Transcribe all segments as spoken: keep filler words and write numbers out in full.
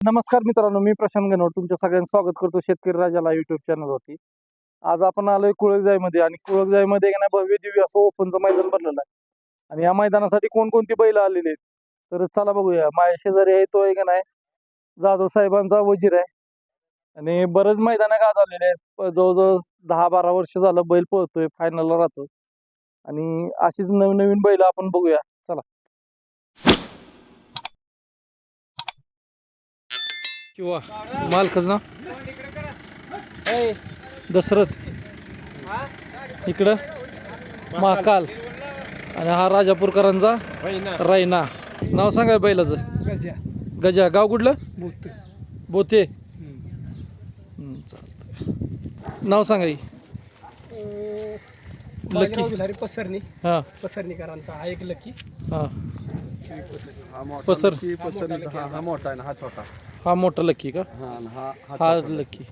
नमस्कार मित्रांनो, मी प्रशांत गणवट तुमच्या सगळ्यांचं स्वागत करतो शेतकरी राजाला युट्यूब चॅनलवरती. आज आपण आलोय कुळकजाईमध्ये आणि कुळकजाईमध्ये का नाही भव्य दिव्य असं ओपनचं मैदान भरलेलं आहे आणि या मैदानासाठी कोणकोणती बैल आलेली आहेत तर चला बघूया. माझ्या शेजारी आहे तो आहे का नाही जाधव साहेबांचा वजीर आहे आणि बरेच मैदान गाज आलेले आहेत. जवळजवळ दहा बारा वर्ष झालं बैल पळतोय, फायनलला राहतो आणि अशीच नवीन नवीन बैल आपण बघूया. चला. किंवा मालकच ना दशरथ इकडं महाकाल आणि हा राजापूरकरांचा रायना. नाव सांगा बैलाचं. गजा गजा. गाव कुठलं? बोते बोते. चालतं. नाव सांगा की. लकी बिलारी पसरणी हा पसरणीकरांचा हा एक लकी. हा पसर पसर पसर हा हा मोठा आहे ना, हा छोटा. हा मोठा लकी का? हा आणि हा हा हा लकी.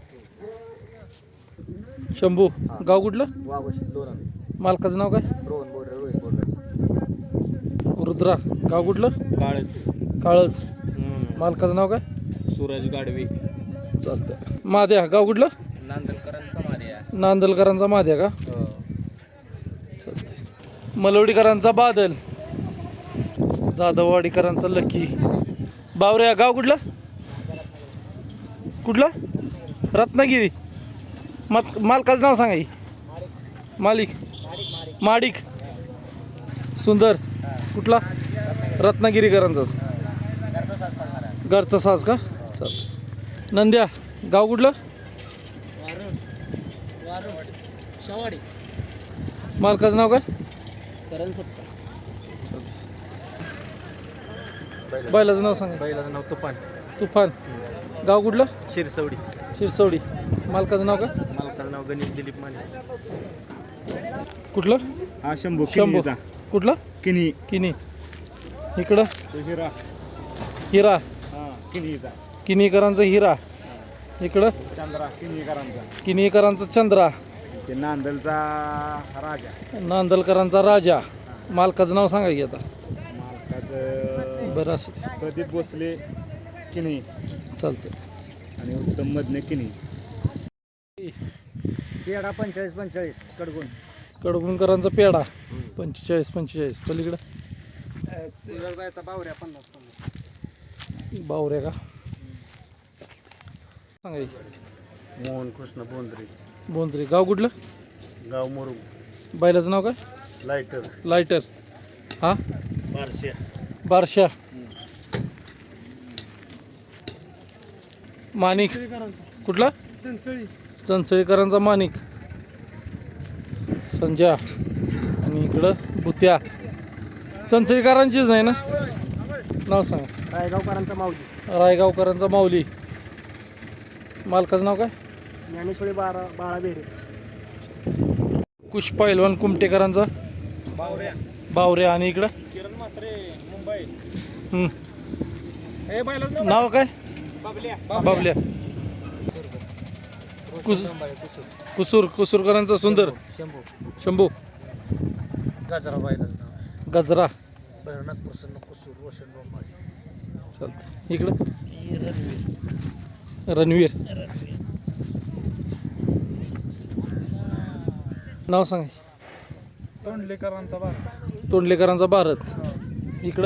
शंभू. गाव कुठलं? वाघोशी लोणा. मालकाचं नाव काय? रोहन बोर्डर रोहित बोर्डर. रुद्रा. गाव कुठलं? काळच. काळच. मालकाचं नाव काय? सूरज गाडवे. चालतंय. माद्या. गाव कुठलं? नांदलकरांचा मार्या. नांदलकरांचा माद्या का? चालतंय. मलवडीकरांचा बादल. जाधववाडीकरांचा लकी. बावऱ्या. गाव कुठलं? कुठलं? रत्नागिरी. मत मालकाचं नाव सांगा की. मालिक. माडिक. सुंदर. कुठला? रत्नागिरीकरांचाच. घरचा साज का? चल. नंद्या. गाव कुठलं? मालकाचं नाव काय? बैलाचं नाव सांगा. बैलाचं नाव तुफान. तुफान. गाव कुठलं? शिरसवडी. शिरसवडी. मालकाचं नाव काय? मालकाचं नाव गणेश दिलीप माने. कुठलं? हा शंभू. शंभू. कुठलं? किनी. किनी. इकडं हिरा. हिरा. हा किनीचा. किनीकरांचा हिरा. इकडं चंद्रा किनीकरांचा. किनीकरांचा चंद्रा. ते नांदलचा राजा. नांदलकरांचा राजा. मालकाचं नाव सांगा की आता. मालकाचं बरं असं प्रदीप भोसले किनी चालतं. आणि उत्तम मधने किनी. पेढा पंचेचाळीस पंचेचाळीस कडगुण. कडगुणकरांचा पेढा पंचेचाळीस पंचेचाळीस. पलीकडं बावऱ्या पन्नास पन्नास. बावऱ्या का? सांगा की. मोहन कृष्ण बोंद्रे. बोंद्रे. गाव कुठलं? गाव मुरुम. बैलाचं नाव काय? लायटर. लायटर. हा बारशे. बारशा. माणिक. कुठला? चंचळीकरांचा माणिक. संजय. आणि इकडं भुत्या. चंचळीकरांचीच नाही ना? नाव सांगा. रायगावकरांचा माऊली. रायगावकरांचा माऊली. मालकाचं नाव काय? ज्ञानेश्वरी बारा बाळा बेरे. कुश पैलवान कुमटेकरांचा बावऱ्या. बावऱ्या. आणि इकडं किरण म्हात्रे मुंबई. हम्म. हे बैलाचं नाव काय? बाबल्या. बाबल्या. कुस कुसूर. कुसूरकरांचा सुंदर. शंभू. शंभू. गजरा बैलाचं गजरा. भैरवनाथ प्रसन्न कुसूर रोशन रोमाळे. चालतं. इकडं रणवीर. नाव सांगा. तोंडलेकरांचा बार. तोंडलेकरांचा भारत. इकडं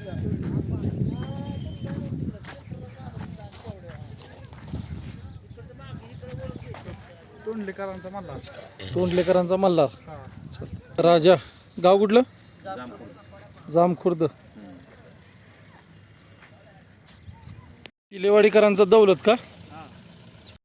तोंडलेकरांचा मल्हार. तोंडलेकरांचा मल्हार. चालतं. राजा. गाव कुठलं? जामखुर्द. किलेवाडीकरांचा दौलत का?